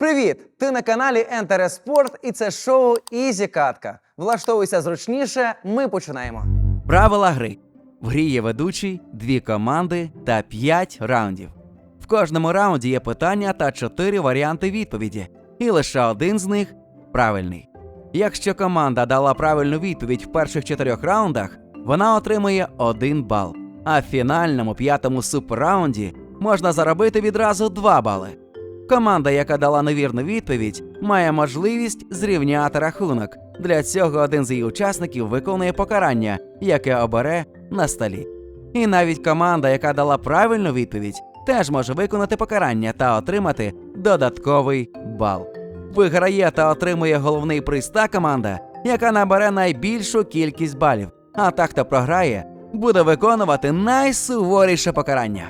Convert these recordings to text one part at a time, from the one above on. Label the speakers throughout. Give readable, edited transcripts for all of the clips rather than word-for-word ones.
Speaker 1: Привіт! Ти на каналі Enter Sport і це шоу Ізі Катка. Влаштовуйся зручніше, ми починаємо.
Speaker 2: Правила гри. В грі є ведучий, 2 команди та 5 раундів. В кожному раунді є питання та 4 варіанти відповіді, і лише один з них правильний. Якщо команда дала правильну відповідь в перших 4 раундах, вона отримує 1 бал. А в фінальному 5-му суперраунді можна заробити відразу 2 бали. Команда, яка дала невірну відповідь, має можливість зрівняти рахунок. Для цього один з її учасників виконує покарання, яке обере на столі. І навіть команда, яка дала правильну відповідь, теж може виконати покарання та отримати додатковий бал. Виграє та отримує головний приз та команда, яка набере найбільшу кількість балів. А та, хто програє, буде виконувати найсуворіше покарання.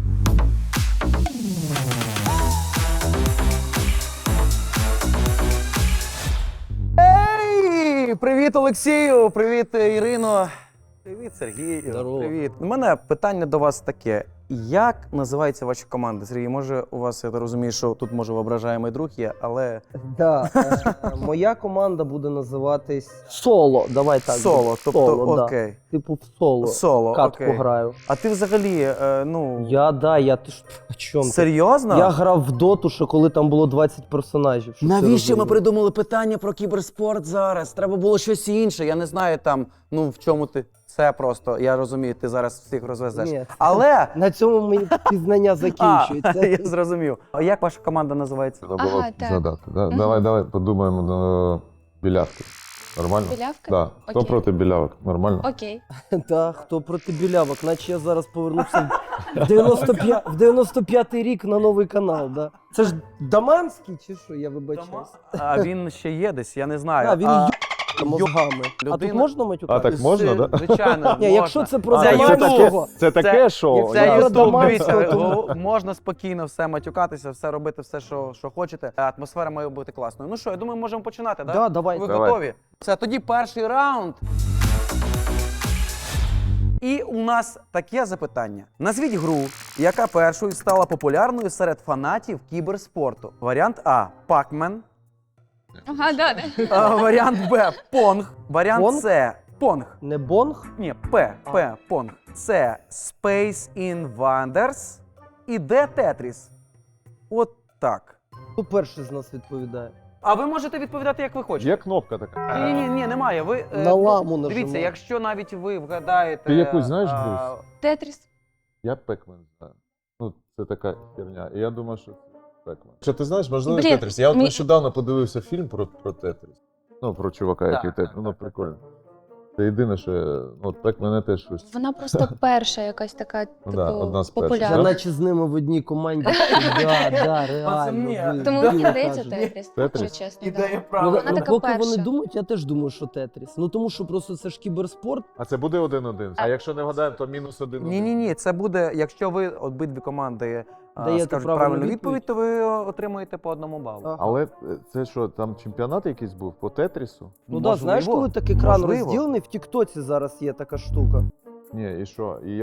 Speaker 1: Ей! Привіт, Олексію! Привіт, Ірино! Привіт, Сергію!
Speaker 3: Здорово.
Speaker 1: Привіт! У мене питання до вас таке. Як називаються ваші команди? Сергій, може у вас, я розумію, що тут може воображаємий друг є, але...
Speaker 3: Да, моя команда буде називатись Соло. Давай так.
Speaker 1: Соло, тобто,
Speaker 3: Соло, да.
Speaker 1: окей.
Speaker 3: Типу в соло.
Speaker 1: Соло,
Speaker 3: Катку
Speaker 1: окей.
Speaker 3: граю.
Speaker 1: А ти взагалі,
Speaker 3: Я ти ж о чому ти?
Speaker 1: серйозно?
Speaker 3: Я грав в доту, ще коли там було 20 персонажів. щоб ти
Speaker 1: Навіщо ми
Speaker 3: розумів.
Speaker 1: придумали питання про кіберспорт зараз? Треба було щось інше. Я не знаю там, в чому ти. Це просто, я розумію, ти зараз всіх розвезеш.
Speaker 3: Ні.
Speaker 1: Але...
Speaker 3: На цьому мої пізнання закінчуються.
Speaker 1: Я зрозумів. А як ваша команда називається?
Speaker 4: Треба було
Speaker 5: Ага, так.
Speaker 4: згадати. Давай подумаємо до білявки. Нормально?
Speaker 5: Білявка?
Speaker 4: Да. Хто
Speaker 5: Окей.
Speaker 4: проти білявок? Нормально?
Speaker 5: Окей.
Speaker 3: Та, хто проти білявок, наче я зараз повернувся в 95-й рік на новий канал. Да. Це ж Даманський чи що, я вибачаюсь.
Speaker 1: А він ще є десь, я не знаю.
Speaker 3: А, він мозгами. А
Speaker 1: людина-
Speaker 3: тут можна матюкати?
Speaker 4: А так можна, да?
Speaker 1: Звичайно,
Speaker 3: Ні,
Speaker 1: можна.
Speaker 3: якщо це про
Speaker 1: Це
Speaker 3: Даманського,
Speaker 4: Це таке шоу.
Speaker 1: Це
Speaker 3: да.
Speaker 1: Ютуб,
Speaker 3: Даманського,
Speaker 1: дивіться,
Speaker 3: тому-
Speaker 1: можна спокійно все матюкатися, все робити, все, що хочете. Атмосфера має бути класною. Ну що, я думаю, можемо починати, так?
Speaker 3: Да, давай.
Speaker 1: Ви
Speaker 4: Давай.
Speaker 1: готові? Все, тоді перший раунд. І у нас таке запитання. Назвіть гру, яка першою стала популярною серед фанатів кіберспорту. Варіант А – Pac-Man.
Speaker 5: Ага, да.
Speaker 1: Варіант Б – Понг. Варіант
Speaker 3: Понг?
Speaker 1: С – Понг.
Speaker 3: Не бонг?
Speaker 1: Ні, П – Понг. Це Space Invaders і Д – Tetris. От так.
Speaker 3: Хто перший з нас відповідає?
Speaker 1: А ви можете відповідати, як ви хочете.
Speaker 4: Є кнопка така.
Speaker 1: Ні, немає. Ви
Speaker 3: На ламу
Speaker 1: дивіться,
Speaker 3: нажимаю.
Speaker 1: якщо навіть ви вгадаєте.
Speaker 4: Ти якусь знаєш
Speaker 1: а,
Speaker 4: гру?
Speaker 5: Тетріс.
Speaker 4: Я Пекмен знаю. Ну, це така херня. І я думаю, що Пекмен. Що ти знаєш, можливо,
Speaker 5: Блін,
Speaker 4: Тетріс. Я от
Speaker 5: мі-
Speaker 4: нещодавно подивився фільм про Тетріс. Ну, про чувака,
Speaker 1: Так,
Speaker 4: який Тетріс. Ну, прикольно. Це єдине, що от Пекмен теж щось.
Speaker 5: Вона просто перша якась така, типу,
Speaker 4: да, одна з перших.
Speaker 3: Я
Speaker 5: популярна.
Speaker 3: наче з ними в одній команді. Да,
Speaker 1: Пацани,
Speaker 3: реально. ви-
Speaker 5: Тому
Speaker 3: ви
Speaker 5: мені здається
Speaker 3: кажете.
Speaker 5: Тетріс,
Speaker 4: Тетріс?
Speaker 5: якщо чесно.
Speaker 1: Ідея
Speaker 5: Да.
Speaker 3: Ну,
Speaker 1: правильна.
Speaker 5: Вона така
Speaker 3: поки
Speaker 5: перша.
Speaker 3: вони думають, я теж думаю, що Тетріс. Ну тому що просто це ж кіберспорт.
Speaker 4: А це буде 1-1. А якщо не вгадаємо, то мінус 1.
Speaker 1: Ні, це буде, якщо ви обидві команди
Speaker 3: Даєте
Speaker 1: скажуть
Speaker 3: правильну
Speaker 1: правильну відповідь,
Speaker 3: відповідь,
Speaker 1: то ви отримуєте по 1 балу.
Speaker 3: Ага.
Speaker 4: Але це що, там чемпіонат якийсь був по Тетрісу?
Speaker 3: Ну так, знаєш, коли так екран
Speaker 1: Можливо.
Speaker 3: розділений, в Тіктоці зараз є така штука.
Speaker 4: Ні, і що? І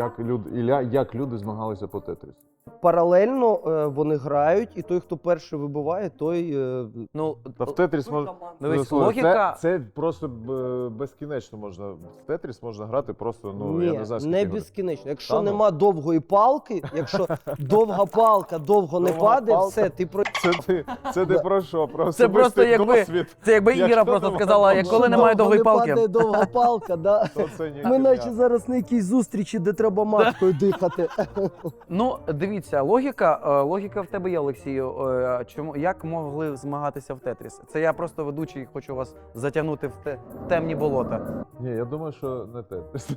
Speaker 4: як люди змагалися по Тетрісу?
Speaker 3: Паралельно вони грають, і той, хто перший вибиває, той.
Speaker 1: Ну,
Speaker 4: Та в Тетріс можна.
Speaker 1: дивись,
Speaker 4: Слухай,
Speaker 1: логіка.
Speaker 4: Це просто безкінечно можна. В Тетріс можна грати просто, ну, я
Speaker 3: Ні,
Speaker 4: не знаю,
Speaker 3: не
Speaker 4: скільки.
Speaker 3: безкінечно. Якщо
Speaker 4: Та ну.
Speaker 3: нема довгої палки, якщо довга палка довго не
Speaker 4: Довга
Speaker 3: падає,
Speaker 4: палка.
Speaker 3: все, ти про.
Speaker 4: Це ти про що? Про
Speaker 1: Це просто
Speaker 4: особистий
Speaker 1: якби,
Speaker 4: досвід.
Speaker 1: це якби
Speaker 4: Якщо
Speaker 1: Іра просто
Speaker 4: немає
Speaker 1: сказала,
Speaker 4: довгої
Speaker 1: коли немає
Speaker 3: Довго
Speaker 1: довгої
Speaker 3: не
Speaker 1: палки.
Speaker 3: падає довга палка, да.
Speaker 4: То це ні
Speaker 3: Ми
Speaker 4: херня.
Speaker 3: наче зараз на якійсь зустрічі, де треба маткою дихати.
Speaker 1: Ну, дивіться, логіка в тебе є, Олексію. Як могли змагатися в Тетріс? Це я просто ведучий, хочу вас затягнути в темні болота.
Speaker 4: Ні, я думаю, що не Тетріс.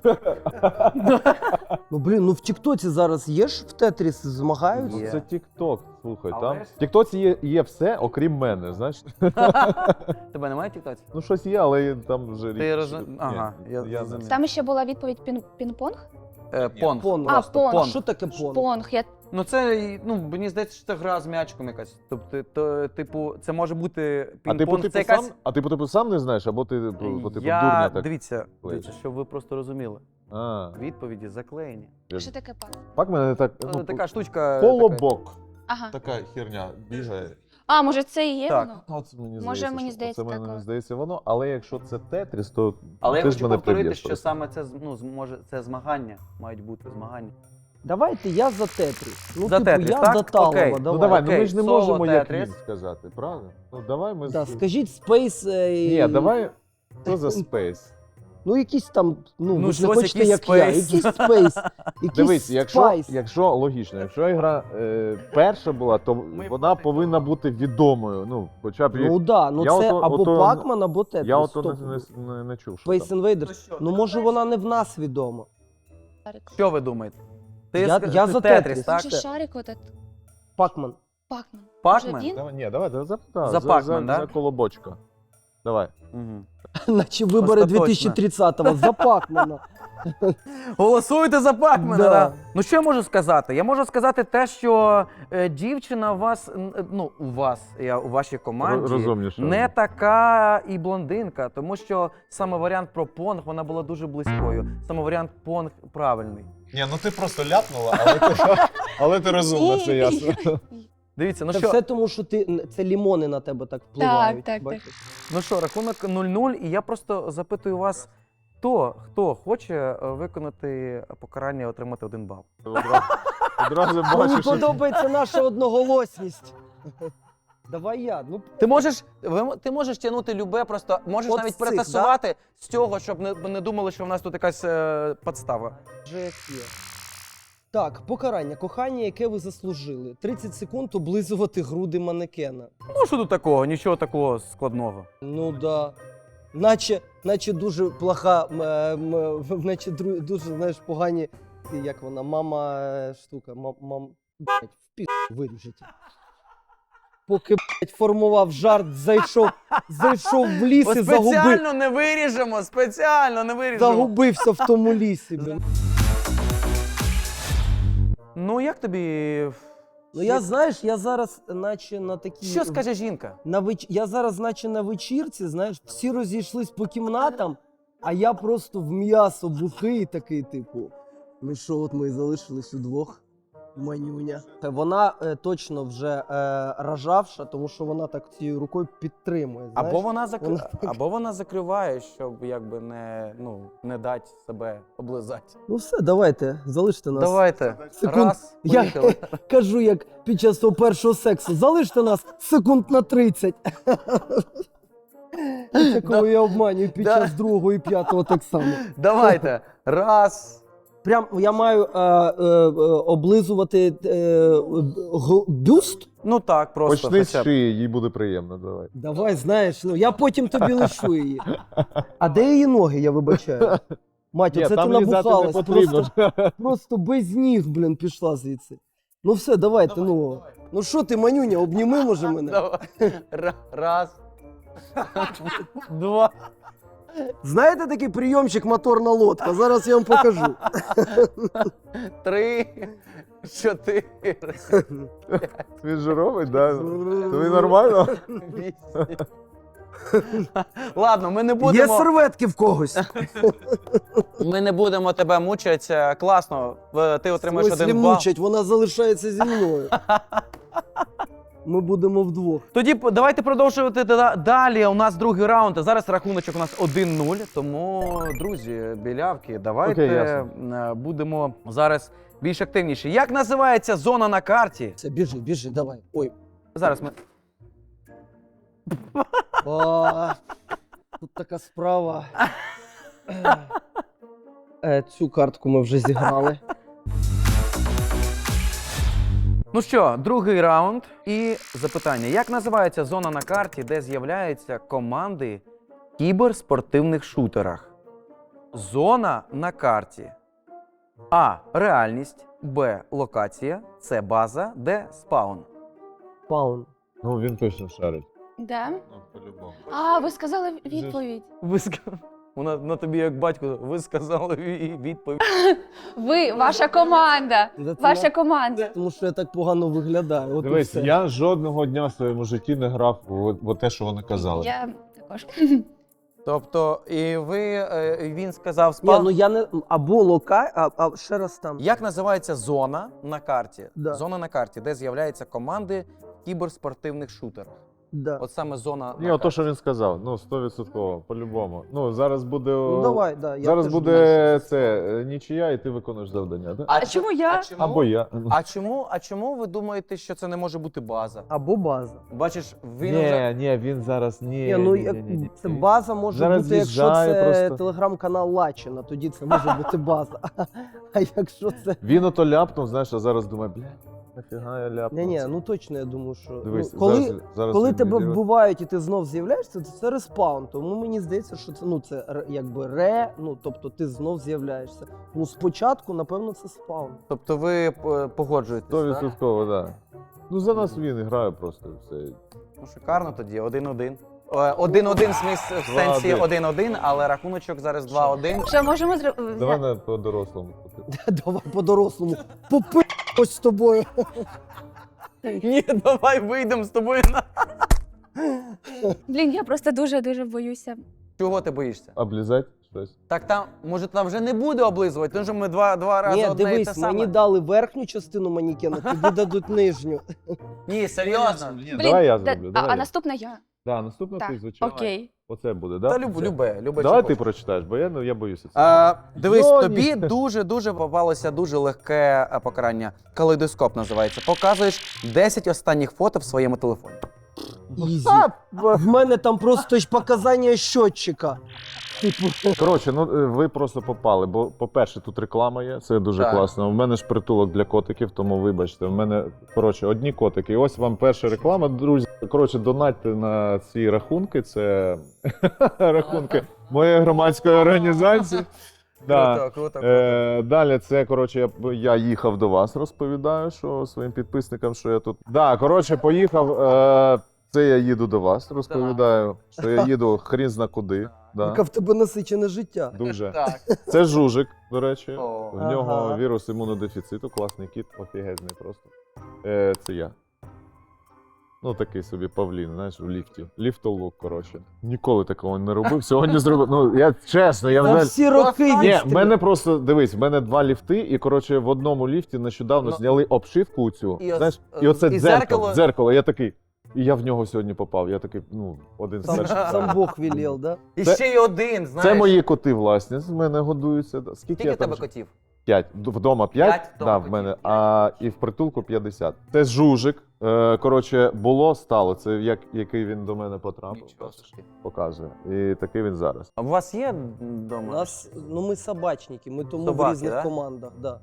Speaker 3: Ну блін, ну в Тіктоці зараз є ж в Тетріс змагаються.
Speaker 1: Є.
Speaker 4: Це Тік-Ток, слухай,
Speaker 1: Але
Speaker 4: там.
Speaker 1: ж-
Speaker 4: В Тіктоці є все, окрім мене, знаєш?
Speaker 1: Тебе немає тіктоці?
Speaker 4: Ну щось є, але там вже
Speaker 1: Ти
Speaker 4: рік.
Speaker 1: роз- Ага, я
Speaker 4: не-
Speaker 1: зрозумів.
Speaker 5: Там ще була відповідь пінг-понг?
Speaker 1: Понг.
Speaker 3: Понг.
Speaker 5: А,
Speaker 1: Просто
Speaker 5: понг.
Speaker 3: А що таке понг?
Speaker 5: Понг. Я...
Speaker 1: Ну це, мені здається, що це гра з м'ячиком якась. Тобто, типу, це може бути
Speaker 4: А
Speaker 1: пінг-понг,
Speaker 4: ти
Speaker 1: це якась...
Speaker 4: сам не знаєш, або ти дурня так?
Speaker 1: Дивіться,
Speaker 4: клеїш.
Speaker 1: щоб ви просто розуміли.
Speaker 4: А,
Speaker 1: Відповіді заклеєні.
Speaker 5: Що таке пак?
Speaker 4: пак мене так,
Speaker 1: Така штучка.
Speaker 4: колобок.
Speaker 5: Ага.
Speaker 4: Така херня бігає.
Speaker 5: А, може це і є
Speaker 1: Так.
Speaker 5: воно?
Speaker 4: От мені
Speaker 5: Може,
Speaker 4: здається,
Speaker 5: мені
Speaker 4: що
Speaker 5: здається,
Speaker 4: це мені
Speaker 5: так.
Speaker 4: здається воно, але якщо це Тетріс, то
Speaker 1: Але я
Speaker 4: ти ж
Speaker 1: хочу
Speaker 4: мене
Speaker 1: повторити,
Speaker 4: приб'єш
Speaker 1: що
Speaker 4: просто.
Speaker 1: саме це, може, це змагання, мають бути змагання.
Speaker 3: Давайте я за Тетріс. Ну,
Speaker 1: За
Speaker 3: типу,
Speaker 1: Тетріс,
Speaker 3: я
Speaker 1: так?
Speaker 3: за Талова,
Speaker 1: Окей.
Speaker 3: давай.
Speaker 4: Ну давай,
Speaker 1: Окей,
Speaker 4: ми ж не
Speaker 1: соло
Speaker 4: можемо як
Speaker 1: Тетріс.
Speaker 4: він сказати, правда? Ну давай ми...
Speaker 3: Да, скажіть Space...
Speaker 4: Ні, давай, що за Space?
Speaker 3: Ну, якийсь там, ну,
Speaker 1: Ну,
Speaker 3: ви ж не
Speaker 1: щось,
Speaker 3: хочете,
Speaker 1: якийсь
Speaker 3: як я.
Speaker 1: Space.
Speaker 3: Якийсь Space, якийсь
Speaker 4: Дивись,
Speaker 3: Spice.
Speaker 4: якщо логічно, якщо ігра перша була, то вона повинна бути відомою. Ну, хоча б
Speaker 3: Ну, да, ну
Speaker 4: Я
Speaker 3: це
Speaker 4: ото-
Speaker 3: або
Speaker 4: ото-
Speaker 3: Pac-Man, або Тетріс.
Speaker 4: я ото
Speaker 3: Стоп.
Speaker 4: не чув, що
Speaker 3: Space
Speaker 4: там.
Speaker 3: Invaders. Ну, може, вона не в нас відома.
Speaker 5: Шарик.
Speaker 1: Що ви думаєте?
Speaker 3: Я
Speaker 1: ти
Speaker 3: за
Speaker 1: Тетріс,
Speaker 3: Тетріс.
Speaker 1: так?
Speaker 5: Може шарик отут?
Speaker 3: Pac-Man.
Speaker 5: Пакман.
Speaker 1: Pac-Man?
Speaker 5: Може він?
Speaker 4: Давай, ні, давай за
Speaker 1: За Pac-Man, да?
Speaker 4: за колобочка. Давай.
Speaker 1: Угу.
Speaker 3: Наче вибори
Speaker 1: Остаточно.
Speaker 3: 2030-го. За Pac-Man.
Speaker 1: Голосуйте за Пакмена,
Speaker 3: Да.
Speaker 1: да. Ну що я можу сказати? Я можу сказати те, що дівчина у вас, у вашій команді
Speaker 4: Розумніше.
Speaker 1: не така і блондинка, тому що саме варіант про понг, вона була дуже близькою. Саме варіант понг правильний.
Speaker 4: Ні, ну ти просто ляпнула, але ти розумна, це ясно.
Speaker 1: Дивіться, ну
Speaker 3: Це
Speaker 1: що,
Speaker 3: все тому, що це лімони на тебе так впливають.
Speaker 5: так,
Speaker 3: бачиш?
Speaker 1: ну що, рахунок 0-0, і я просто запитую вас, хто хоче виконати покарання і отримати 1 бал?
Speaker 4: Одразу
Speaker 3: Мені
Speaker 4: бачиш, що...
Speaker 3: подобається наша одноголосність. Давай я. Ну,
Speaker 1: Ти можеш тягнути любе, просто можеш
Speaker 3: От
Speaker 1: навіть
Speaker 3: з цих,
Speaker 1: перетасувати з цього, щоб не думали, що в нас тут якась подстава.
Speaker 3: вже як є. Так, покарання. Кохання, яке ви заслужили. 30 секунд облизувати груди манекена.
Speaker 1: Ну що тут такого, нічого такого складного.
Speaker 3: Ну да. Наче дуже плоха, наче дуже, знаєш, погані, як вона, штука, блядь, в пі*** виріжете. Поки, блядь, формував жарт, зайшов в ліс і
Speaker 1: спеціально не виріжемо.
Speaker 3: загубився в тому лісі. Блін.
Speaker 1: Ну як тобі?
Speaker 3: Ну я, знаєш, я зараз наче на такій...
Speaker 1: Що скаже жінка?
Speaker 3: Я зараз наче на вечірці, знаєш, всі розійшлись по кімнатам, а я просто в м'ясо бухий такий, типу, ну що, от ми і залишились удвох, манюня. Вона точно вже рожавша, тому що вона так цією рукою підтримує, знаєш.
Speaker 1: Або вона закриває, щоб якби не дати себе облизати.
Speaker 3: Ну все, давайте, залиште нас.
Speaker 1: Давайте.
Speaker 3: Секунд.
Speaker 1: Раз,
Speaker 3: Я
Speaker 1: поїхали.
Speaker 3: кажу, як під час того першого сексу, залиште нас секунд на 30. Такого я обманюю під
Speaker 1: Да.
Speaker 3: час другого і п'ятого так само.
Speaker 1: Давайте. Раз.
Speaker 3: Прям я маю облизувати бюст?
Speaker 1: Ну так, просто.
Speaker 4: Почни з
Speaker 1: хоча б.
Speaker 4: шиї, їй буде приємно, давай.
Speaker 3: Давай, знаєш, ну я потім тобі лишу її. А де її ноги, я вибачаю? Матю,
Speaker 4: Ні,
Speaker 3: це ти
Speaker 4: там лізати не
Speaker 3: набухалась,
Speaker 4: потрібно.
Speaker 3: просто без ніг, блін, пішла звідси. Ну все, давайте, ну. Ну що ти, манюня, обніми, може, мене?
Speaker 1: Давай. Раз. Два.
Speaker 3: Знаєте такий прийомчик моторна лодка? Зараз я вам покажу.
Speaker 1: 3, 4,
Speaker 4: Він же робить, да? Тобі нормально?
Speaker 1: 8. Ладно, ми не
Speaker 3: Є
Speaker 1: будемо.
Speaker 3: серветки в когось.
Speaker 1: Ми не будемо тебе мучити. Класно. Ти отримаєш
Speaker 3: Ось
Speaker 1: 1 бал.
Speaker 3: мучать, вона залишається зі мною. Ми будемо вдвох.
Speaker 1: Тоді давайте продовжувати далі. У нас другий раунд. Зараз рахуночок у нас 1-0. Тому, друзі, білявки, давайте
Speaker 4: Окей, ясно.
Speaker 1: будемо зараз більш активніші. Як називається зона на карті?
Speaker 3: Все, біжи, давай. Ой.
Speaker 1: Зараз ми.
Speaker 3: Тут така справа. Цю картку ми вже зіграли.
Speaker 1: Ну що, другий раунд і запитання. Як називається зона на карті, де з'являються команди в кіберспортивних шутерах? Зона на карті. А. Реальність. Б. Локація. С. База. Д. Спаун.
Speaker 3: Паун.
Speaker 4: Ну, він точно шарить.
Speaker 5: Да?
Speaker 4: Ну, по-любому.
Speaker 5: А, ви сказали відповідь.
Speaker 1: Вона на тобі як батько, ви сказали відповідь.
Speaker 5: Ви, ваша команда.
Speaker 3: Да це
Speaker 5: Ваша
Speaker 3: я-
Speaker 5: команда.
Speaker 3: Тому що я так погано виглядаю. От і
Speaker 4: Дивись,
Speaker 3: все.
Speaker 4: я жодного дня в своєму житті не грав в те, що вони казали.
Speaker 5: Я також.
Speaker 1: Тобто, і він сказав
Speaker 3: Ні,
Speaker 1: спаун.
Speaker 3: ну я не... Або а ще раз там.
Speaker 1: Як називається зона на карті?
Speaker 3: Да.
Speaker 1: Зона на карті, де з'являються команди в кіберспортивних шутерах?
Speaker 3: Да.
Speaker 1: От саме зона
Speaker 4: Ні,
Speaker 1: на
Speaker 4: ото,
Speaker 1: карті.
Speaker 4: що він сказав, ну 100%, по-любому. Ну, зараз буде.
Speaker 3: Ну давай, да. Я
Speaker 4: Зараз
Speaker 3: теж
Speaker 4: буде
Speaker 3: думаю, що
Speaker 4: це нічия, і ти виконуєш завдання, так?
Speaker 5: А чому я?
Speaker 4: Або я.
Speaker 1: А чому ви думаєте, що це не може бути база?
Speaker 3: Або база.
Speaker 1: Бачиш, він вже...
Speaker 4: Ні, він зараз
Speaker 3: Ні, ну це база може
Speaker 4: Зараз
Speaker 3: бути, якщо
Speaker 4: з'їжджає
Speaker 3: це
Speaker 4: просто.
Speaker 3: телеграм-канал Лачина, тоді це може бути база. А якщо це.
Speaker 4: Він ото ляпнув, знаєш, а зараз думає, бля, нафіга я ляпнув.
Speaker 3: Ні, ну точно я думаю, що
Speaker 4: Дивись,
Speaker 3: ну, коли,
Speaker 4: зараз
Speaker 3: коли
Speaker 4: він
Speaker 3: тебе
Speaker 4: відіграє.
Speaker 3: вбивають і ти знов з'являєшся, то це респаун. Тому мені здається, що це це якби ну тобто ти знов з'являєшся. Ну спочатку, напевно, це спаун.
Speaker 1: Тобто ви погоджуєтесь, так?
Speaker 4: 100%, так. Ну за нас він грає просто все.
Speaker 1: Ну, шикарно тоді, 1-1. 1-1 в сенсі 1-1, але рахуночок зараз 2-1.
Speaker 5: Що можемо зробити?
Speaker 4: Давай на по-дорослому.
Speaker 3: Давай по-дорослому. Попи***ось з тобою.
Speaker 1: Ні, давай вийдемо з тобою на...
Speaker 5: Блін, я просто дуже боюся.
Speaker 1: Чого ти боїшся?
Speaker 4: Облізать щось.
Speaker 1: Так там, може там вже не буде облизувати, тому що ми два рази
Speaker 3: Ні,
Speaker 1: одне і те
Speaker 3: дивись,
Speaker 1: саме.
Speaker 3: мені дали верхню частину манікена, тобі дадуть нижню.
Speaker 1: Ні, серйозно.
Speaker 5: Блін,
Speaker 4: Давай я
Speaker 5: да-
Speaker 4: зроблю.
Speaker 5: а
Speaker 4: Давай.
Speaker 5: наступна я.
Speaker 4: Да, наступна ти,
Speaker 5: Так,
Speaker 4: звичайно.
Speaker 5: окей.
Speaker 4: Оце буде,
Speaker 1: Та
Speaker 4: да?
Speaker 1: любе.
Speaker 4: Давай
Speaker 1: що
Speaker 4: ти
Speaker 1: хочеш.
Speaker 4: прочитаєш, бо я боюся цього.
Speaker 1: Дивись,
Speaker 4: Ну,
Speaker 1: тобі дуже попалося дуже легке покарання. Калейдоскоп називається. Показуєш 10 останніх фото в своєму телефоні.
Speaker 3: Ізі. В мене там просто ж показання щотчика. Типу,
Speaker 4: Коротше, ну ви просто попали, бо, по-перше, тут реклама є, це дуже
Speaker 1: Так.
Speaker 4: класно. У мене ж притулок для котиків, тому вибачте, в мене, коротше, одні котики. І ось вам перша реклама, друзі. Коротше, донатьте на ці рахунки, це рахунки моєї громадської організації. Да.
Speaker 1: Круто.
Speaker 4: Далі це, коротше, я їхав до вас, розповідаю, що своїм підписникам, що я тут. Да, коротше, поїхав. Це я їду до вас, розповідаю, що я їду хрін зна куди. Да.
Speaker 3: яке в тебе насичене життя.
Speaker 4: Дуже.
Speaker 1: Так.
Speaker 4: Це жужик, до речі.
Speaker 1: О.
Speaker 4: В нього
Speaker 3: Ага.
Speaker 4: вірус імунодефіциту, класний кіт, офігезний просто. Це я. Ну, такий собі павлін, знаєш, в ліфті. Ліфтолук, коротше. Ніколи такого не робив, сьогодні зробив. Ну, я чесно, я
Speaker 3: За
Speaker 4: взагалі.
Speaker 3: всі роки
Speaker 4: Ні, в
Speaker 3: відстріл.
Speaker 4: мене просто, дивись, в мене 2 ліфти, і, коротше, в одному ліфті нещодавно
Speaker 1: Ну,
Speaker 4: зняли обшивку цю,
Speaker 1: і ос-
Speaker 4: знаєш, і оце
Speaker 1: і
Speaker 4: дзеркало,
Speaker 1: дзеркало.
Speaker 4: я такий, і я в нього сьогодні попав, я такий, ну, один з
Speaker 3: Сам,
Speaker 4: перших.
Speaker 3: сам Бог велел, да?
Speaker 1: І
Speaker 4: Це-
Speaker 1: ще й один, знаєш.
Speaker 4: Це мої коти, власне, з мене годуються. Скільки
Speaker 1: Скільки
Speaker 4: я
Speaker 1: в тебе
Speaker 4: там?
Speaker 1: котів?
Speaker 4: 5. Вдома 5,
Speaker 1: П'ять, вдома
Speaker 4: да, в
Speaker 1: котів
Speaker 4: мене,
Speaker 1: 5.
Speaker 4: а і в притулку 50. Це жужик. Коротше, було, стало. Це який він до мене потрапив.
Speaker 1: Нічого собі.
Speaker 4: Показує. І такий він зараз.
Speaker 1: А у вас є
Speaker 3: У
Speaker 1: вдома?
Speaker 3: нас, ну ми собачники, ми тому
Speaker 1: Собаки,
Speaker 3: в різних
Speaker 1: да?
Speaker 3: командах. Да.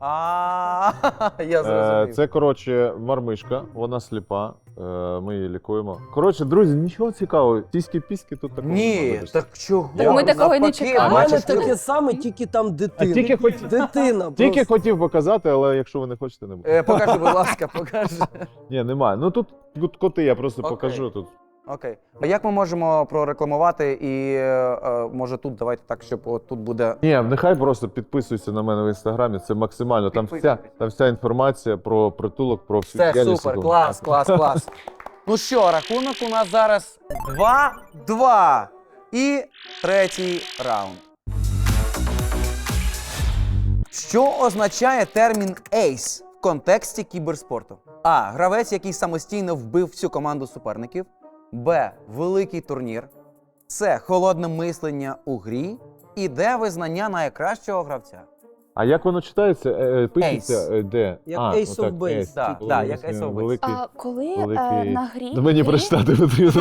Speaker 1: Я зрозумів.
Speaker 4: Це, коротше, мармишка, вона сліпа. Ми її лікуємо. Коротше, друзі, нічого цікавого. Тіськи-піськи тут такого. не
Speaker 1: Ні,
Speaker 4: будеш.
Speaker 1: так чого?
Speaker 5: Так ми такого й не
Speaker 1: Навпаки,
Speaker 5: чекали.
Speaker 3: У мене
Speaker 1: бачиш,
Speaker 3: таке саме, тільки там дитина.
Speaker 4: тільки хоч-
Speaker 3: Дитина.
Speaker 4: Тільки
Speaker 3: просто.
Speaker 4: хотів показати, але якщо ви не хочете, не буде.
Speaker 1: Покажи, будь ласка, покажи.
Speaker 4: Ні, немає. Ну тут коти, я просто
Speaker 1: Окей.
Speaker 4: покажу тут.
Speaker 1: Окей. А як ми можемо прорекламувати і може тут давайте так, щоб от тут буде.
Speaker 4: Ні, нехай просто підписуйся на мене в інстаграмі. Це максимально. Там вся інформація про притулок, про всю
Speaker 1: Все
Speaker 4: діяльність.
Speaker 1: супер, клас. Ну що, рахунок у нас зараз 2-2. І третій раунд. Що означає термін «ейс» в контексті кіберспорту? А. Гравець, який самостійно вбив всю команду суперників. Б. Великий турнір. С. Холодне мислення у грі. І Д. Визнання найкращого гравця.
Speaker 4: А як воно читається? Пишеться де?
Speaker 3: Як Ace of
Speaker 4: отак,
Speaker 3: Base.
Speaker 4: Ace.
Speaker 1: Так,
Speaker 4: Великий,
Speaker 1: так, як Ace of Base.
Speaker 4: Великий.
Speaker 5: А коли
Speaker 4: великий-
Speaker 5: на грі
Speaker 4: Ну, мені
Speaker 5: ти-
Speaker 4: прочитати потрібно.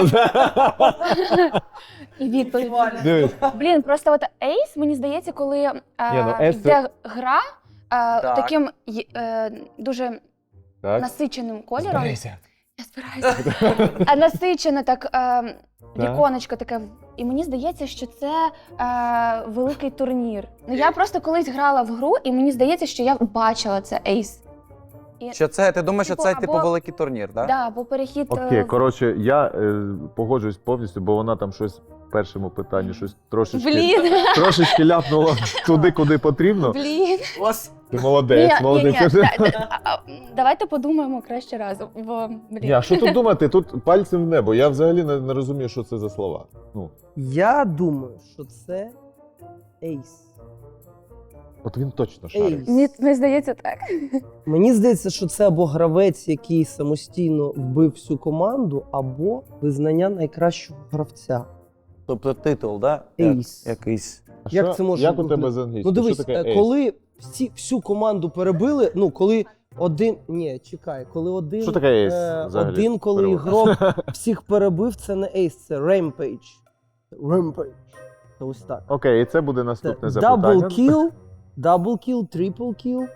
Speaker 5: і відповідь.
Speaker 4: Дивись.
Speaker 5: Блін, просто от Ace, мені здається, коли
Speaker 4: ну, Ace це-
Speaker 5: йде гра
Speaker 1: Так.
Speaker 5: таким дуже
Speaker 4: Так.
Speaker 5: насиченим кольором. Я збираюся. А насичене так віконечко таке. І мені здається, що це великий турнір. Ну я просто колись грала в гру, і мені здається, що я бачила це Ace.
Speaker 1: Що це? Ти думаєш, що
Speaker 5: Типу,
Speaker 1: це
Speaker 5: або-
Speaker 1: типу великий турнір, так?
Speaker 5: Да, бо перехід.
Speaker 4: Окей, коротше, я погоджуюсь повністю, бо вона там щось в першому питанні щось трошечки ляпнула туди, куди потрібно.
Speaker 5: Блін.
Speaker 1: Ось.
Speaker 4: Ти молодець, молодець.
Speaker 5: Давайте подумаємо краще разом. Бо, блін.
Speaker 4: Ні, а що тут думати? Тут пальцем в небо. Я взагалі не розумію, що це за слова. Ну,
Speaker 3: Я думаю, що це Ace.
Speaker 4: От він точно шарить.
Speaker 5: Мені здається, так.
Speaker 3: Мені здається, що це або гравець, який самостійно вбив всю команду, або визнання найкращого гравця.
Speaker 1: Тобто титул, да?
Speaker 3: Ейс.
Speaker 1: Якийсь.
Speaker 4: А
Speaker 3: Як
Speaker 4: що-
Speaker 3: це може
Speaker 4: Як у
Speaker 3: бути?
Speaker 4: тебе з англійською?
Speaker 3: Ну дивись,
Speaker 4: Що таке ейс?
Speaker 3: коли всю команду перебили, ну коли один. Ні, чекай, коли один.
Speaker 4: Що таке ейс взагалі?
Speaker 3: Один, коли
Speaker 4: Перевод.
Speaker 3: ігрок всіх перебив, це не ейс, це ремпейдж. Ремпейдж. Це ось так.
Speaker 4: Окей, і це буде наступне
Speaker 3: Це
Speaker 4: запитання.
Speaker 3: дабл кіл, трипл кіл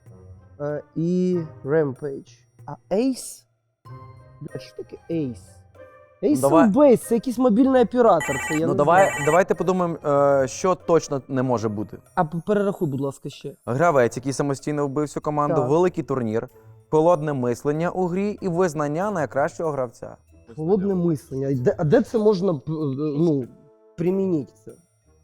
Speaker 3: і ремпейдж. А ейс? Бля, що таке ейс? Ейс
Speaker 1: Давай.
Speaker 3: Бейс, це якийсь мобільний оператор. Це я
Speaker 1: Ну
Speaker 3: не знаю.
Speaker 1: давайте подумаємо, що точно не може бути.
Speaker 3: А перерахуй, будь ласка, ще.
Speaker 1: Гравець, який самостійно вбив всю команду,
Speaker 3: Так.
Speaker 1: великий турнір, холодне мислення у грі і визнання найкращого гравця.
Speaker 3: Холодне мислення. А де це можна ну, примінити це?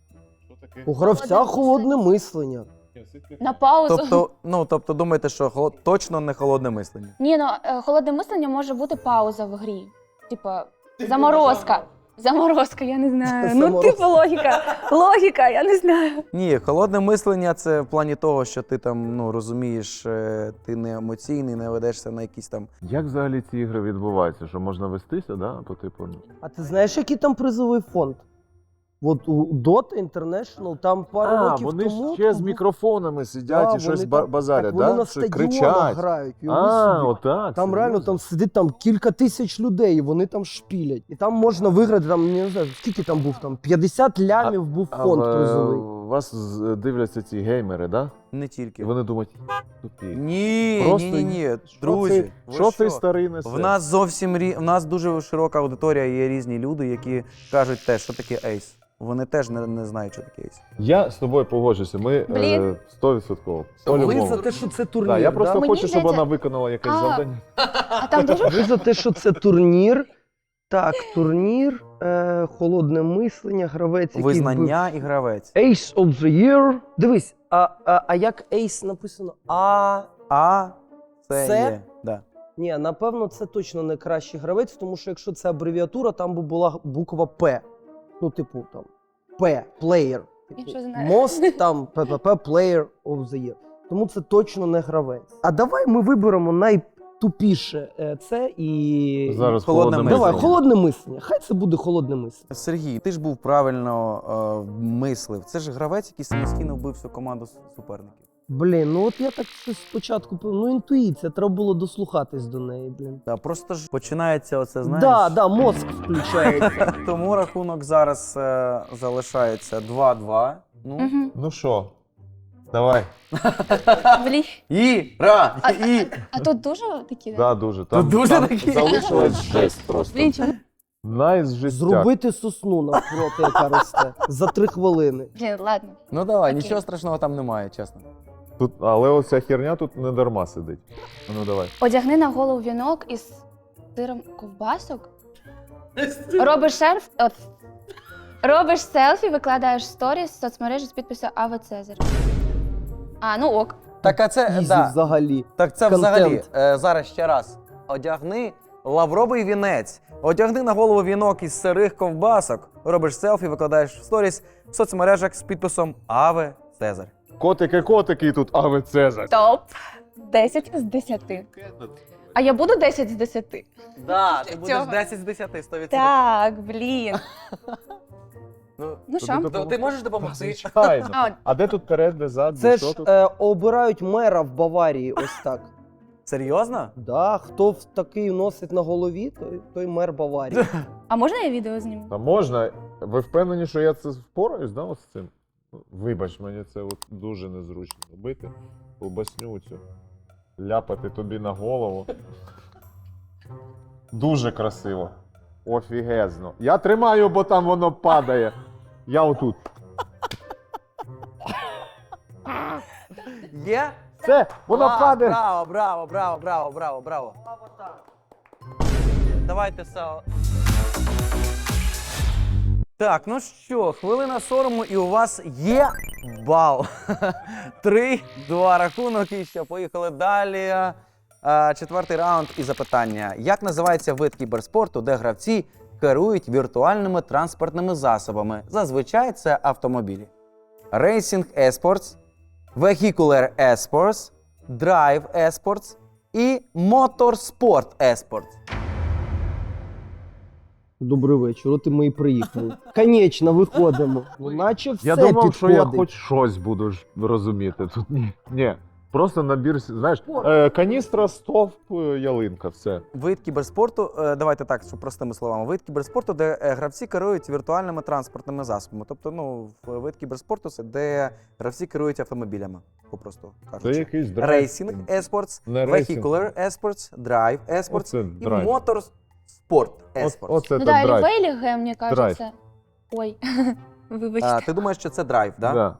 Speaker 3: У гравця холодне мислення.
Speaker 5: На паузу.
Speaker 1: Тобто думаєте, що точно не холодне мислення.
Speaker 5: Ні, ну холодне мислення може бути пауза в грі. Типа заморозка. Заморозка, я не знаю. Ну,
Speaker 3: Заморозка.
Speaker 5: типу логіка. Логіка, я не знаю.
Speaker 1: Ні, холодне мислення це в плані того, що ти там розумієш, ти не емоційний, не ведешся на якісь там.
Speaker 4: Як взагалі ці ігри відбуваються? Що можна вестися, да? По типу.
Speaker 3: А ти знаєш, який там призовий фонд? От у Dota International там пару років
Speaker 4: вони
Speaker 3: тому.
Speaker 4: ще з
Speaker 3: був-
Speaker 4: мікрофонами сидять
Speaker 3: Да,
Speaker 4: і щось
Speaker 3: вони там-
Speaker 4: базарять,
Speaker 3: так вони
Speaker 4: да?
Speaker 3: на
Speaker 4: Що
Speaker 3: стадіонах
Speaker 4: кричать.
Speaker 3: грають. і
Speaker 4: Отак.
Speaker 3: Там реально
Speaker 4: серйозно?
Speaker 3: там сидить там кілька тисяч людей, і вони там шпілять. І там можна виграти, там, не знаю, скільки там був, там 50 лямів був
Speaker 4: А
Speaker 3: фонд призовий.
Speaker 4: вас дивляться ці геймери, да?
Speaker 1: Не
Speaker 4: І
Speaker 1: тільки.
Speaker 4: вони думають, тупі.
Speaker 1: Ні,
Speaker 4: Просто
Speaker 1: ні, друзі. ви
Speaker 4: Що цей старий несе?
Speaker 1: В нас в нас дуже широка аудиторія, є різні люди, які кажуть те, що таке ейс. Вони теж не знають, що таке ейс.
Speaker 4: Я з тобою погоджуся, ми
Speaker 5: Блін.
Speaker 4: 100%.
Speaker 3: Ви
Speaker 4: По-любому.
Speaker 3: за те, що це турнір,
Speaker 4: Да, я просто
Speaker 5: Мені
Speaker 4: хочу, щоб
Speaker 5: здається-
Speaker 4: вона виконала якесь
Speaker 5: А.
Speaker 4: завдання.
Speaker 5: А там дуже
Speaker 3: Ви за те, що це турнір. Так, турнір, холодне мислення, гравець, який
Speaker 1: Визнання і гравець.
Speaker 3: вбив. Ace of the Year. Дивись, а як Ace написано?
Speaker 1: А це
Speaker 3: Це?
Speaker 1: є. Да.
Speaker 3: Ні, напевно, це точно не кращий гравець, тому що якщо це абревіатура, там би була буква П. Ну, типу, там П, player.
Speaker 5: Я
Speaker 3: Типу,
Speaker 5: що знаю.
Speaker 3: Most, там, ППП, player of the year. Тому це точно не гравець. А давай ми виберемо найтупіше це і...
Speaker 4: Зараз
Speaker 1: Холодне
Speaker 4: холодне
Speaker 1: мислення.
Speaker 3: Давай, холодне мислення. Хай це буде холодне мислення.
Speaker 1: Сергій, ти ж був правильно мислив. Це ж гравець, який самостійно вбив всю команду суперників.
Speaker 3: Блін, ну от я так щось спочатку, ну інтуїція, треба було дослухатись до неї, блін.
Speaker 1: Да, просто ж починається оце, знаєш.
Speaker 3: Да, мозк включається.
Speaker 1: Тому рахунок зараз залишається 2-2. Ну.
Speaker 5: Мгм.
Speaker 4: Ну що, давай.
Speaker 5: Блін.
Speaker 1: І.
Speaker 5: А тут дуже такі.
Speaker 4: Да, дуже. Там,
Speaker 1: дуже
Speaker 4: там
Speaker 1: такі?
Speaker 4: залишилось жесть просто.
Speaker 5: Блін, чому?
Speaker 4: Найжестяк.
Speaker 3: Зробити сосну навпроти, яка росте, за 3 хвилини.
Speaker 5: Блін, ладно.
Speaker 1: Ну давай,
Speaker 5: Окей.
Speaker 1: нічого страшного там немає, чесно.
Speaker 4: Тут, але оця херня тут не дарма сидить. Ну давай.
Speaker 5: Одягни на голову вінок із сиром ковбасок. Робиш селфі, викладаєш сторіс в соцмережі з підпису Аве Цезар. А, ну ок.
Speaker 1: Так, а це,
Speaker 3: Ізі
Speaker 1: да.
Speaker 3: взагалі.
Speaker 1: Так це
Speaker 3: Контент.
Speaker 1: взагалі, зараз ще раз. Одягни лавровий вінець, одягни на голову вінок із сирих ковбасок, робиш селфі, викладаєш в сторіс в соцмережах з підписом Аве Цезар.
Speaker 4: Котики, тут Аве Цезар.
Speaker 5: Топ. 10 з 10. А я буду 10 з 10?
Speaker 1: Да,
Speaker 5: ти будеш
Speaker 1: 10 з 10, 100%.
Speaker 5: Так, блін. Ну
Speaker 4: Тобі
Speaker 5: що?
Speaker 4: допомогти?
Speaker 1: Ти можеш допомогти?
Speaker 4: Звичайно.
Speaker 5: А,
Speaker 4: А де тут перед, де зад,
Speaker 3: Це
Speaker 4: де що
Speaker 3: ж
Speaker 4: тут?
Speaker 3: обирають мера в Баварії, ось так.
Speaker 1: Серйозно?
Speaker 3: Да, хто такий носить на голові, той мер Баварії.
Speaker 5: А можна я відео зніму?
Speaker 4: Та можна. Ви впевнені, що я це впораюсь, да, от з цим? Вибач, мені це от дуже незручно робити. Ковбасню цю. Ляпати тобі на голову. Дуже красиво. Офігезно. Я тримаю, бо там воно падає. Я отут.
Speaker 1: Є?
Speaker 4: Все, воно
Speaker 1: Клас,
Speaker 4: падає.
Speaker 1: Браво. Давайте все. Так, ну що, хвилина сорому, і у вас є бал. 3-2 рахунок, і що, поїхали далі. Четвертий раунд і запитання. Як називається вид кіберспорту, де гравці керують віртуальними транспортними засобами? Зазвичай це автомобілі. Racing Esports, Vehicular Esports, Drive Esports і Motorsport Esports.
Speaker 3: Добрий вечір, от і ми і приїхали. Конечно, виходимо. Ну, наче все
Speaker 4: Я думав,
Speaker 3: підходить.
Speaker 4: що я хоч щось буду розуміти. Тут ні. Просто набір, знаєш, каністра, стовп, ялинка, все.
Speaker 1: Вид кіберспорту, давайте так, щоб простими словами. Вид кіберспорту, де гравці керують віртуальними транспортними засобами. Тобто, вид кіберспорту це де гравці керують автомобілями, попросту
Speaker 4: Це
Speaker 1: кажучи.
Speaker 4: якийсь драйв.
Speaker 1: Рейсінг Esports,
Speaker 4: Не рейсінг.
Speaker 1: Vehicular Esports, Drive Esports
Speaker 4: Оце
Speaker 1: і
Speaker 4: драйв.
Speaker 1: Motorsport Esports.
Speaker 4: Оце
Speaker 5: Ну
Speaker 4: то
Speaker 5: да,
Speaker 4: драйв.
Speaker 5: Рівейліге, мені
Speaker 4: Драйв.
Speaker 5: кажеться. Ой, вибачте.
Speaker 1: Ти думаєш, що це драйв, да?
Speaker 4: Да.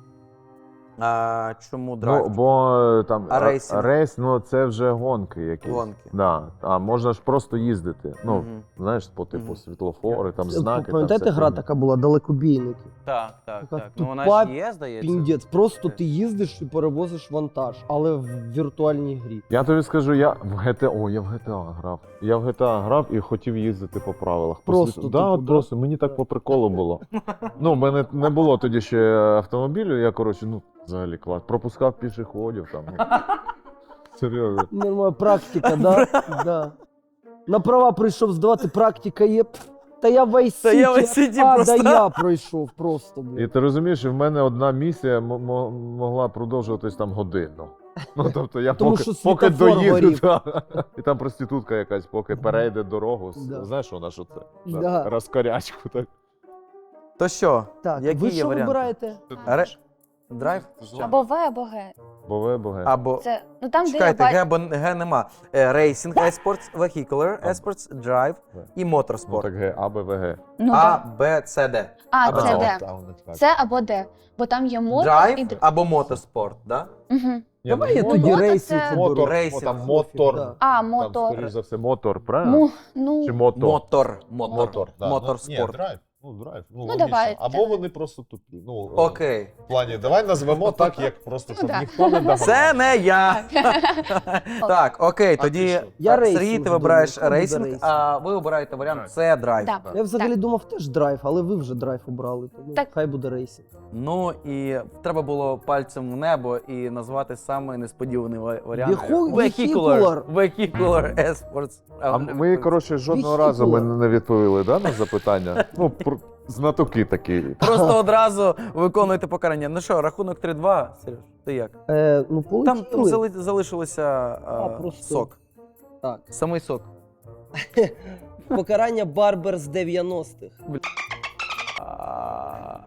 Speaker 1: Чому драйв?
Speaker 4: Ну, бо там
Speaker 1: А рейсинг?
Speaker 4: рейс, це вже гонки якісь.
Speaker 1: Гонки.
Speaker 4: Да. А можна ж просто їздити.
Speaker 1: Мгм.
Speaker 4: Знаєш, по типу
Speaker 1: Мгм.
Speaker 4: світлофори, там знаки.
Speaker 3: Пам'ятаєте,
Speaker 4: там вся
Speaker 3: гра
Speaker 4: фігня.
Speaker 3: така була, далекобійники?
Speaker 1: Так, так,
Speaker 3: Така
Speaker 1: так. Ну вона
Speaker 3: тупа
Speaker 1: ж є, здається.
Speaker 3: Піндець, просто ти їздиш і перевозиш вантаж, але в віртуальній грі.
Speaker 4: Я тобі скажу, я в GTA грав. Я в GTA грав і хотів їздити по правилах.
Speaker 3: Просто,
Speaker 4: Да,
Speaker 3: типу,
Speaker 4: от
Speaker 3: да?
Speaker 4: просто мені так по приколу було. Ну, в мене не було тоді ще автомобілю, я, взагалі клас. Пропускав пішоходів там. Серйозно.
Speaker 3: Нормальна практика, да? Да. На права прийшов здавати, практика є. Та я в Vice
Speaker 1: Та я в
Speaker 3: City,
Speaker 1: Vice City
Speaker 3: а,
Speaker 1: просто.
Speaker 3: да я пройшов просто,
Speaker 4: І
Speaker 3: блін.
Speaker 4: ти розумієш, в мене одна місія могла продовжуватись там годину. Ну, тобто я
Speaker 3: Тому
Speaker 4: поки,
Speaker 3: що
Speaker 4: поки
Speaker 3: світлофор
Speaker 4: доїду,
Speaker 3: горів.
Speaker 4: і там проститутка якась, поки перейде дорогу.
Speaker 3: Да.
Speaker 4: Знаєш, вона що це?
Speaker 3: Да.
Speaker 4: Розкорячку так.
Speaker 1: То що?
Speaker 3: Так,
Speaker 1: Які
Speaker 3: ви
Speaker 1: є
Speaker 3: що
Speaker 1: варіанти?
Speaker 3: вибираєте?
Speaker 1: Драйв?
Speaker 5: Або В, або Г.
Speaker 4: Бове.
Speaker 1: Або...
Speaker 5: Це, ну там,
Speaker 1: Чекайте,
Speaker 5: де я
Speaker 1: Г, бо Г нема. Racing Esports, Vehicular Esports, Drive і
Speaker 4: Ну
Speaker 1: Motorsport.
Speaker 4: так Г, А, Б, В, Г.
Speaker 5: Ну,
Speaker 1: А,
Speaker 5: да.
Speaker 1: Б, С, Д.
Speaker 5: А,
Speaker 1: або
Speaker 5: це
Speaker 1: Д.
Speaker 5: Д. Це або Д. Бо там є мотор і
Speaker 1: Drive або Motorsport, да?
Speaker 5: Угу.
Speaker 3: Давай я
Speaker 5: ну,
Speaker 3: тоді
Speaker 5: мотор
Speaker 3: рейсинг
Speaker 5: це-
Speaker 3: оберу.
Speaker 4: Мотор,
Speaker 1: Рейсинг.
Speaker 4: там мотор.
Speaker 3: Да.
Speaker 5: А,
Speaker 4: Там,
Speaker 5: мотор.
Speaker 4: скоріш за все, мотор, правильно?
Speaker 5: Ну,
Speaker 4: Чи мотор?
Speaker 1: Мотор.
Speaker 4: да.
Speaker 1: Моторспорт.
Speaker 4: Ні, драйв. Драйв.
Speaker 5: Ну, давай.
Speaker 4: Або вони просто тупі.
Speaker 1: Окей.
Speaker 4: В плані, давай назвемо так, як просто,
Speaker 5: Ну,
Speaker 4: щоб
Speaker 5: да.
Speaker 4: ніхто не догадав.
Speaker 1: Це не я. Так, окей,
Speaker 4: А
Speaker 1: тоді
Speaker 4: ти що?
Speaker 3: Я
Speaker 1: так,
Speaker 3: рейсинг
Speaker 1: Сергій, ти
Speaker 3: думаю,
Speaker 1: вибираєш
Speaker 3: хто буде
Speaker 1: рейсинг,
Speaker 3: рейсинг?
Speaker 1: а ви обираєте варіант
Speaker 4: Драйв.
Speaker 1: Це драйв.
Speaker 5: да.
Speaker 3: Я взагалі
Speaker 5: Так.
Speaker 3: думав теж драйв, але ви вже драйв обрали, тому
Speaker 5: Так.
Speaker 3: хай буде рейсинг.
Speaker 1: Ну і треба було пальцем в небо і назвати саме несподіваний варіант.
Speaker 3: Vehicular.
Speaker 1: Vehicular Esports.
Speaker 4: А ми, коротше, жодного разу ми не відповіли, да, на запитання? Ну, знатоки такі.
Speaker 1: Просто одразу виконуєте покарання. Ну що, рахунок 3-2, Сереж, ти як?
Speaker 3: Ну,
Speaker 1: Там
Speaker 3: полетіли.
Speaker 1: залишилося
Speaker 3: просто.
Speaker 1: сок.
Speaker 3: Так.
Speaker 1: Самий сок.
Speaker 3: Покарання Барбер з 90-х.
Speaker 1: А,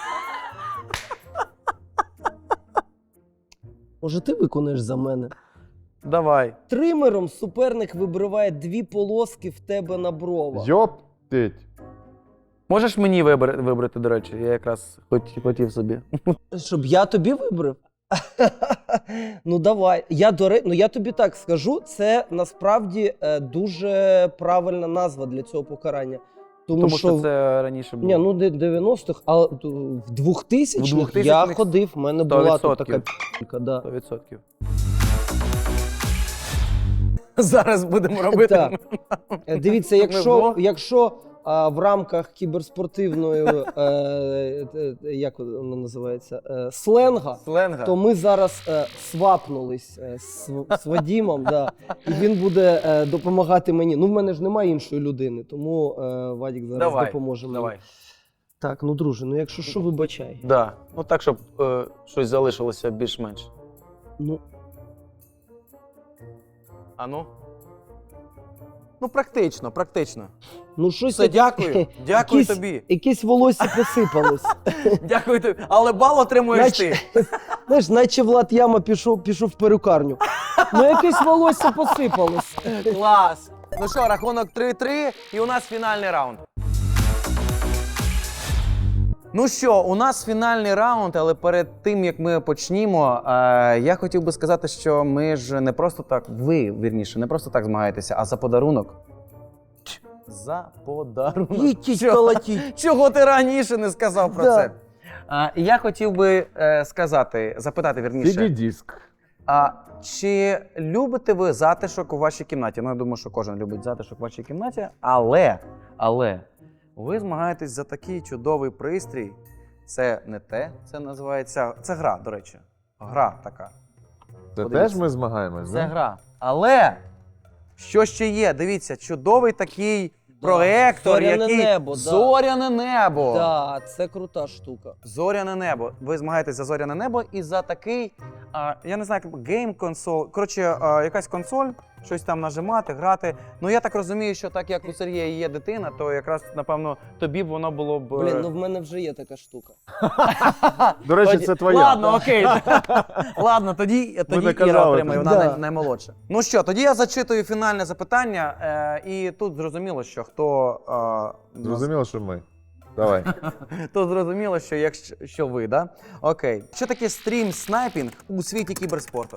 Speaker 3: Може, ти виконаєш за мене?
Speaker 1: Давай.
Speaker 3: Тримером суперник вибриває 2 полоски в тебе на бровах.
Speaker 4: Йоптить.
Speaker 1: Можеш мені вибрати, до речі, я якраз хотів собі.
Speaker 3: Щоб я тобі вибрав? Ну давай. Я тобі так скажу, це насправді дуже правильна назва для цього покарання.
Speaker 1: Тому що це раніше було.
Speaker 3: Ні, ну 90-х, а в 2000-х я
Speaker 1: 2000-х
Speaker 3: ходив, в мене була тут
Speaker 1: 100%.
Speaker 3: така пі***ка, да.
Speaker 1: 100%. Зараз будемо робити.
Speaker 3: Так. Дивіться,
Speaker 1: Ми вдвох.
Speaker 3: якщо в рамках кіберспортивної, як воно називається, сленга,
Speaker 1: Сленга.
Speaker 3: то ми зараз свапнулись з Вадімом, да, і він буде допомагати мені. Ну, в мене ж немає іншої людини, тому Вадік зараз
Speaker 1: Давай,
Speaker 3: допоможе мені.
Speaker 1: Давай.
Speaker 3: Так, ну друже, ну якщо що, вибачай.
Speaker 1: Да. Ну так, щоб щось залишилося більш-менш.
Speaker 3: Ну,
Speaker 1: А ну? Ну, практично, практично.
Speaker 3: ну щось
Speaker 1: Все, дякую. Дякую
Speaker 3: якісь-
Speaker 1: тобі.
Speaker 3: якесь волосся посипалось.
Speaker 1: Дякую тобі. Але бал отримуєш ти.
Speaker 3: Знаєш, наче Влад Яма пішов в перукарню. Ну якесь волосся посипалось.
Speaker 1: Клас. Ну що, рахунок 3-3, і у нас фінальний раунд. Ну що, у нас фінальний раунд, але перед тим, як ми почнімо, я хотів би сказати, що ми ж не просто так, ви, вірніше, не просто так змагаєтеся, а за подарунок. За подарунок.
Speaker 3: Їдіть
Speaker 1: Чого?
Speaker 3: колотіть.
Speaker 1: Чого ти раніше не сказав про
Speaker 3: Да.
Speaker 1: це? І я хотів би запитати, вірніше.
Speaker 4: CD-диск.
Speaker 1: Чи любите ви затишок у вашій кімнаті? Ну, я думаю, що кожен любить затишок у вашій кімнаті, але ви змагаєтесь за такий чудовий пристрій. Це не те, це називається. Це гра, до речі. Гра така.
Speaker 4: Це
Speaker 1: Подивіться.
Speaker 4: теж ми змагаємось,
Speaker 1: Це
Speaker 4: да?
Speaker 1: гра. Але що ще є? Дивіться, чудовий такий проектор,
Speaker 3: Зоряне
Speaker 1: який
Speaker 3: небо, да.
Speaker 1: зоряне небо.
Speaker 3: Так, це крута штука.
Speaker 1: Зоряне небо. Ви змагаєтесь за зоряне небо і за такий, я не знаю, як гейм-консоль. Коротше, якась консоль, щось там нажимати, грати. Ну я так розумію, що так як у Сергія є дитина, то якраз, напевно, тобі б воно було б.
Speaker 3: Блін, ну в мене вже є така штука.
Speaker 4: До речі,
Speaker 1: Тоді-
Speaker 4: це твоя.
Speaker 1: Ладно, окей. Ладно, тоді
Speaker 4: не
Speaker 1: Іра
Speaker 4: казали
Speaker 1: отримає,
Speaker 4: тобі.
Speaker 1: вона
Speaker 3: Да.
Speaker 1: наймолодша. Ну що, тоді я зачитую фінальне запитання, і тут зрозуміло, що хто.
Speaker 4: Зрозуміло, що ми. Давай.
Speaker 1: Тут зрозуміло, що якщо ви, да? Окей. Що таке стрім снайпінг у світі кіберспорту?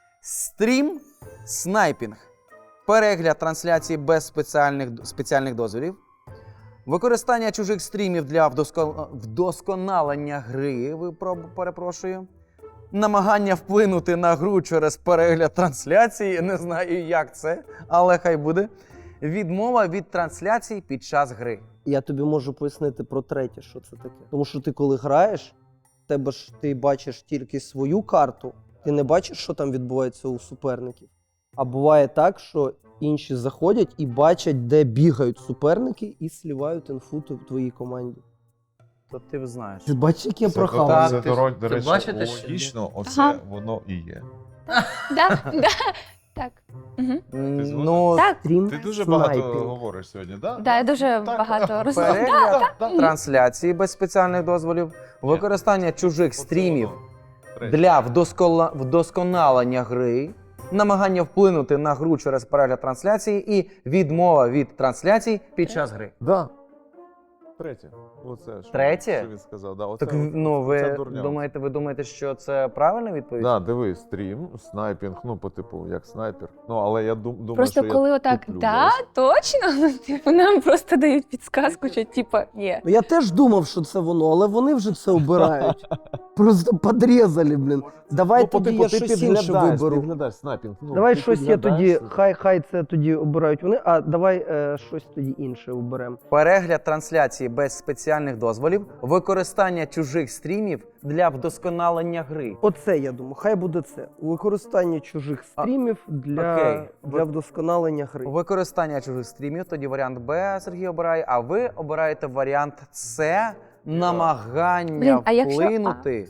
Speaker 1: Стрім снайпінг. Перегляд трансляції без спеціальних дозволів. Використання чужих стрімів для вдосконалення гри, перепрошую. Намагання вплинути на гру через перегляд трансляції. Не знаю, як це, але хай буде. Відмова від трансляцій під час гри.
Speaker 3: Я тобі можу пояснити про третє, що це таке. Тому що ти коли граєш, в тебе ж ти бачиш тільки свою карту, ти не бачиш, що там відбувається у суперників. А буває так, що інші заходять і бачать, де бігають суперники, і слівають інфу твоїй команді.
Speaker 1: То ти знаєш.
Speaker 3: Ти бачиш, як я
Speaker 4: Це,
Speaker 3: прохавав?
Speaker 4: це, до
Speaker 6: ти
Speaker 4: речі,
Speaker 6: бачите, що-
Speaker 4: логічно, оце
Speaker 5: Ага.
Speaker 4: воно і є.
Speaker 5: Да, да, так. Угу.
Speaker 1: Ну,
Speaker 5: Так,
Speaker 3: Стрім
Speaker 4: Ти дуже багато
Speaker 3: снайпінг.
Speaker 4: говориш сьогодні, да?
Speaker 5: да, я дуже
Speaker 4: Так.
Speaker 5: багато розумію.
Speaker 1: перегляд трансляції без спеціальних дозволів, використання чужих
Speaker 4: Оце
Speaker 1: стрімів
Speaker 4: воно. Третє.
Speaker 1: для вдосконалення гри, намагання вплинути на гру через перегляд трансляції і відмова від трансляцій під час гри.
Speaker 4: Да. Третє. Оце, що,
Speaker 1: Третє?
Speaker 4: Що він сказав. Да, оце,
Speaker 1: Так, ну,
Speaker 4: оця
Speaker 1: ви
Speaker 4: дурня.
Speaker 1: думаєте, що це правильна відповідь?
Speaker 4: Да, дивись, стрім, снайпінг, ну, по типу, як снайпер. Ну, але я думаю,
Speaker 5: Просто
Speaker 4: що
Speaker 5: коли
Speaker 4: я
Speaker 5: отак,
Speaker 4: туплю
Speaker 5: да,
Speaker 4: десь.
Speaker 5: точно, ну, типу, нам просто дають підсказку, що типа, ні.
Speaker 3: Ну, я теж думав, що це воно, але вони вже це обирають. Просто подрізали, блін. Давай
Speaker 4: Ну, по
Speaker 3: тоді
Speaker 4: типу,
Speaker 3: я
Speaker 4: ти
Speaker 3: щось інше
Speaker 4: підглядаєш,
Speaker 3: виберу.
Speaker 4: Підглядаєш снайпінг. Ну,
Speaker 3: Давай
Speaker 4: ти
Speaker 3: щось я
Speaker 4: підглядаєш.
Speaker 3: тоді, хай це тоді обирають вони, а давай щось тоді інше оберемо.
Speaker 1: Перегляд трансляції без спеціальних дозволів, використання чужих стрімів для вдосконалення гри.
Speaker 3: Оце я думаю, хай буде це. Використання чужих стрімів
Speaker 1: окей.
Speaker 3: для вдосконалення гри.
Speaker 1: Використання чужих стрімів, тоді варіант Б Сергій обирає, а ви обираєте варіант С намагання
Speaker 5: Блін, а якщо А?
Speaker 1: вплинути.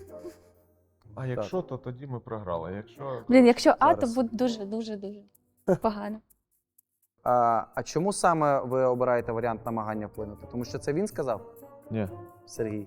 Speaker 4: А якщо, то тоді ми програли. Якщо...
Speaker 5: Блін, якщо А, то
Speaker 1: Зараз.
Speaker 5: буде дуже погано.
Speaker 1: А чому саме ви обираєте варіант намагання вплинути? Тому що це він сказав,
Speaker 4: Ні.
Speaker 1: Сергій?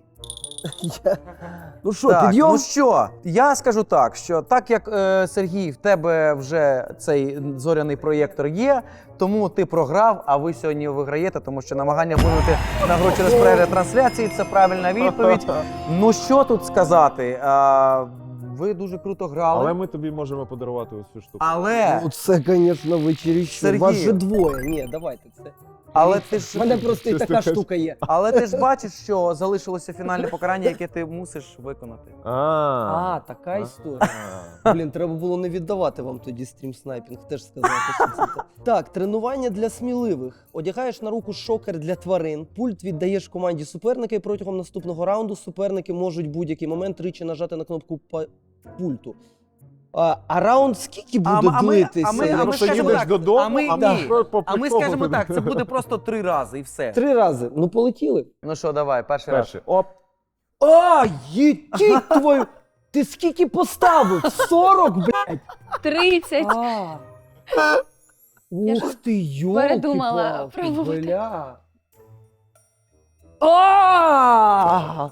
Speaker 3: Ну що,
Speaker 1: Так,
Speaker 3: підйом?
Speaker 1: ну що, я скажу так, що так як Сергій, в тебе вже цей зоряний проєктор є, тому ти програв, а ви сьогодні виграєте, тому що намагання вплинути на гру через перегляд трансляції – це правильна відповідь. Ну що тут сказати? Ви дуже круто грали,
Speaker 4: Але ми тобі можемо подарувати ось цю штуку.
Speaker 1: але,
Speaker 3: Ну, це, звісно, вечеріще.
Speaker 1: Сергій.
Speaker 3: Вас же двоє. Ні, давайте це.
Speaker 1: ти
Speaker 3: У
Speaker 1: ж,
Speaker 3: мене просто і
Speaker 4: Щось
Speaker 3: така
Speaker 4: таке.
Speaker 3: штука є.
Speaker 1: але ти ж бачиш, що залишилося фінальне покарання, яке ти мусиш виконати.
Speaker 3: А, така історія. Блін, треба було не віддавати вам тоді стрім снайпінг, теж сказати, що це так. Так, тренування для сміливих. Одягаєш на руку шокер для тварин, пульт віддаєш команді суперника, і протягом наступного раунду суперники можуть будь-який момент тричі нажати на кнопку пульту. А раунд скільки буде длитися?
Speaker 1: ми
Speaker 3: Якщо
Speaker 1: скажемо
Speaker 4: їдеш
Speaker 1: так,
Speaker 4: додому,
Speaker 1: а ми
Speaker 4: а
Speaker 1: ні.
Speaker 4: що по
Speaker 1: А ми
Speaker 4: приколу
Speaker 1: скажемо
Speaker 4: ти-
Speaker 1: так, це буде просто 3 рази і все.
Speaker 3: 3 рази. Ну, полетіли.
Speaker 1: Ну що, давай, перший раз.
Speaker 4: Перший. Оп.
Speaker 3: А, їдіть твою! Ти скільки поставив? 40, блядь?
Speaker 5: 30.
Speaker 3: А.
Speaker 5: Я
Speaker 3: Ух
Speaker 5: ж
Speaker 3: ти, йолки
Speaker 5: передумала пробувати.
Speaker 3: бля. А!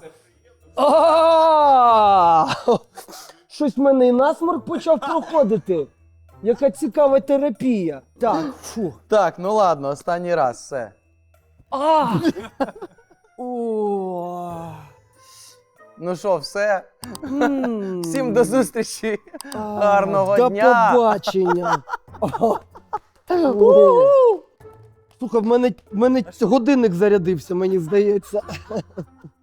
Speaker 3: А! Щось в мене і насморк почав проходити. Яка цікава терапія. Так, фу.
Speaker 1: Так, ну ладно, останній раз, все.
Speaker 3: А! О!
Speaker 1: Ну що, все.
Speaker 3: М.
Speaker 1: Всім до зустрічі.
Speaker 3: А,
Speaker 1: Гарного
Speaker 3: до
Speaker 1: дня.
Speaker 3: побачення. О. Слухай, в мене годинник зарядився, мені здається.